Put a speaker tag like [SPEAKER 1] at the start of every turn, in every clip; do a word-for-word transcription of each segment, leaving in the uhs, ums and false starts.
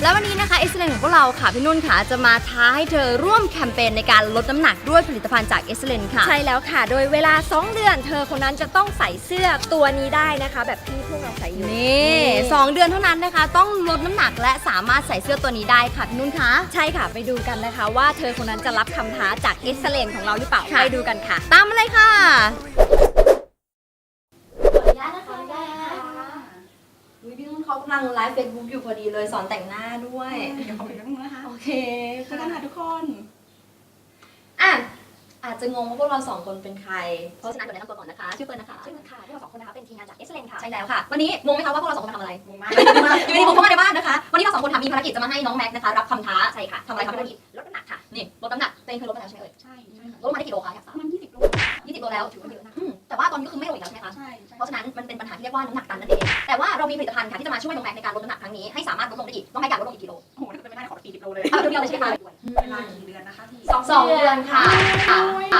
[SPEAKER 1] แล้ววันนี้นะคะ Excellent ของพวกเราค่ะพี่นุ่นค่ะจะมาท้าให้เธอร่วมแคมเปญในการลดน้ำหนักด้วยผลิตภัณฑ์จาก Excellent ค่ะ
[SPEAKER 2] ใช่แล้วค่ะโดยเวลาสองเดือนเธอคนนั้นจะต้องใส่เสื้อตัวนี้ได้นะคะแบบที่พวกเราใส่อยู่
[SPEAKER 1] นี่สองเดือนเท่านั้นนะคะต้องลดน้ำหนักและสามารถใส่เสื้อตัวนี้ได้ค่ะพี่นุ่นคะ
[SPEAKER 2] ใช่ค่ะไปดูกันนะคะว่าเธอคนนั้นจะรับคำท้าจาก Excellent ของเราหรือเปล่าไปดูกันค่ะ
[SPEAKER 1] ตามมาเลยค่ะพี่นุ่นเขากำลังไลฟ์เฟซบุ๊กอยู่พอดีเลยสอนแต่งหน้าด้วย
[SPEAKER 3] เดี๋ยวขอไปแป๊บนึงนะคะ
[SPEAKER 1] โอเค
[SPEAKER 3] ค่ะกันค่ะทุกคน
[SPEAKER 1] อ่ะอาจจะงงว่าพวกเราสองคนเป็นใครเพราะฉะนั้นก่อนแนะนำตัวก่อนนะคะชื่อเฟิร์นนะคะ
[SPEAKER 2] ชื่อเฟิร์นค่ะพวกเราสองคนนะคะเป็นทีมงานจาก Excellent ค่ะ
[SPEAKER 1] ใช่แล้วค่ะวันนี้งงไหมคะว่าพวกเราสองคนมาทำอะไร
[SPEAKER 3] งงมาก
[SPEAKER 1] อยู่ดีๆผมเข้ามาในบ้านนะคะวันนี้เราสองคนมีภารกิจจะมาให้น้องแม็กนะคะรับคำท้า
[SPEAKER 2] ใช่ค่ะ
[SPEAKER 1] ทำอะไรครับภารกิจ
[SPEAKER 2] ลดน้ำหนักค่ะ
[SPEAKER 1] นี่ลดน้ำหนักตัวเองเคยลดมาแล้วใช่ไหมเอ่ย
[SPEAKER 3] ใช่ใช่ค่ะ
[SPEAKER 1] ลดมาได้กี่โลคะอยากทราบ
[SPEAKER 3] ประมาณยี่สิบโล
[SPEAKER 1] ยี่สิบโลแล้วถือว่าเยอะนะแต่ว่าตอนนี้ก็คือไม่ลงอีกแล้วใช่ไหมคะ
[SPEAKER 3] ใช่
[SPEAKER 1] เพราะฉะนั้นมันเป็นปัญหาที่เรียกว่าน้ำหนักตันนั่นเองแต่ว่าเรามีผลิตภัณฑ์ค่ะที่จะมาช่วยน้องแม็กในการลดน้ำหนักครั้งนี้ให้สามารถลดลงได้อีกน้องแม็กอยากลดลงอีกกิโล
[SPEAKER 3] โอ้โหถ้าเกิดเป็นไม่ได้ขอสี่สิบโลเลย
[SPEAKER 1] เอาเดียวเลยใช่ไหมคะ
[SPEAKER 3] เวลากี่เดือนนะคะพี่
[SPEAKER 1] สองเดือนค่ะค่ะค่ะ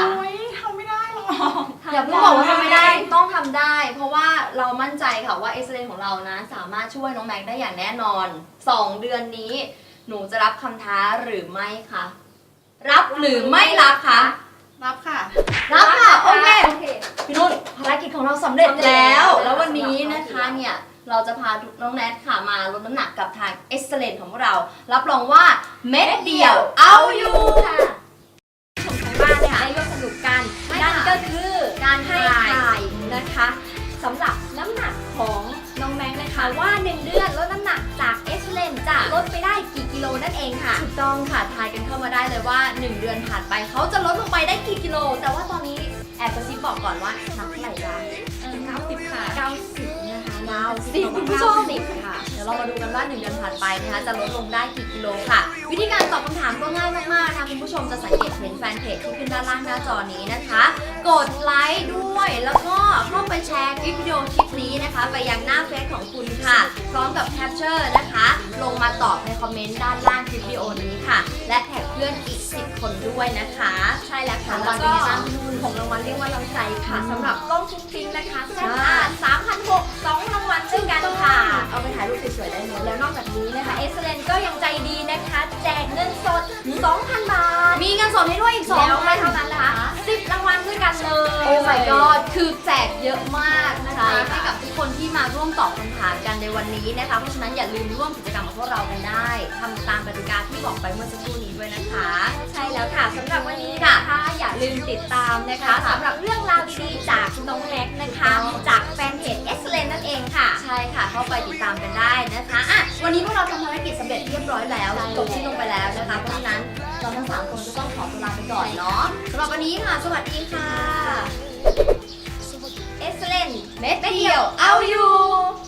[SPEAKER 3] ทำไม่ได้หรอ
[SPEAKER 1] อย่าเพิ่งบอกว่าทำไม่ได้ต้องทำได้ เพราะว่าเรามั่นใจค่ะว่า Excellent ของเรานะสามารถช่วยน้องแม็กได้อย่างแน่นอนสองเดือนนี้หนูจะรับคำท้าหรือไม่คะรับหรือไม่รับคะ
[SPEAKER 3] รับค่ะ
[SPEAKER 1] รับค่ะโอเคพี่นุ่นภารกิจของเราสำเร็จแล้วแล้ววันนี้นะคะเนี่ยเราจะพาน้องแนทค่ะมาลดน้ำหนักกับทาง Excellent ของพวกเรารับรองว่าเม็ดเดียวเอาอยู่
[SPEAKER 2] ค่ะชมทางบ้านเนี่ยได้ร่วมสนุกกันนั่นก็คือการให้ทายนะคะสำหรับน้ำหนักของน้องแม็กนะคะว่าหนึ่งเดือนลดน้ำหนักจาก Excellent จะลดไปได้กี่กิโลนั่นเองค่ะ
[SPEAKER 1] ถูกต้องค่ะทายกันเข้ามาได้เลยว่าหนึ่งเดือนผ่านไปเขาจะลดลงไปได้กี่กิโลแต่ว่าตอนนี้แอบกระซิบบอกก่อนว่านับเท่าไหร่จ้า
[SPEAKER 3] เก้าสิบค่ะ
[SPEAKER 2] เก้าสิบนะคะ
[SPEAKER 1] เก้าสิบคุณผู้ชมค่ะเดี๋ยวเรามาดูกันว่าหนึ่งเดือนผ่านไปนะคะจะลดลงได้กี่กิโลค่ะวิธีการตอบคำถามก็ง่ายมากๆนะคะคุณผู้ชมจะสังเกตเห็นแฟนเพจที่ขึ้นด้านล่างหน้าจอนี้นะคะกดไลค์ด้วยแล้วก็เข้าไปแชร์คลิปวิดีโอคลิปนี้นะคะไปยังหน้าเฟซของคุณค่ะพร้อมกับแคปเจอร์นะคะลงมาตอบในคอมเมนต์ด้านล่างคลิปวิดีโอนี้ค่ะและแท็กเพื่อนอีกสิบคนด้วยนะคะ
[SPEAKER 2] ใช่แล้วค่ะ
[SPEAKER 1] แล้วก็
[SPEAKER 2] ของรางวัลเรียกว่าเราใจค่ะสำหรับล่องชุ้งปิ้งนะคะแซ่บอ่านสามพันหกสองรางวัลด้วยกันค่ะ
[SPEAKER 1] เอาไปถ่ายรูปสวยๆได้เลย
[SPEAKER 2] แล้วนอกจากนี้นะคะ Excellent ก็ยังใจดีนะคะแจกเงินสด สองพัน บาท
[SPEAKER 1] มีเงินสดให้ด้วยอีกสอง
[SPEAKER 2] แล้วไม่เท่านั้นนะคะสิบรางวัลด้วยกันเลย
[SPEAKER 1] โอ้ my god คือแจกเยอะมากนะคะให้กับทุกคนที่มาร่วมตอบคำถามกันในวันนี้นะคะเพราะฉะนั้นอย่าลืมร่วมกิจกรรมกับพวกเรากันได้ทำตามกติกาที่บอกไปเมื่อสักครู่นี้ด้วยนะคะ
[SPEAKER 2] ใช่แล้วค่ะสำหรับวันนี้นะคะอย่าลืมติดตามนะคะสำหรับเรื่องราวดีๆจากน้องแม็กนะคะจากแฟนเพจ Excellent นั่นเองค่ะ
[SPEAKER 1] ใช่ค่ะเข้าไปติดตามกันได้นะคะอ่ะวันนี้พวกเราทำภารกิจสำเร็จเรียบร้อยแล้วจบที่ลงไปแล้วนะคะเพราะฉะนั้นเราทั้งสามคนก็ต้องขอตัวลาไปก่อนเนาะสำหรับวันนี้ค่ะสวัสดีค่ะ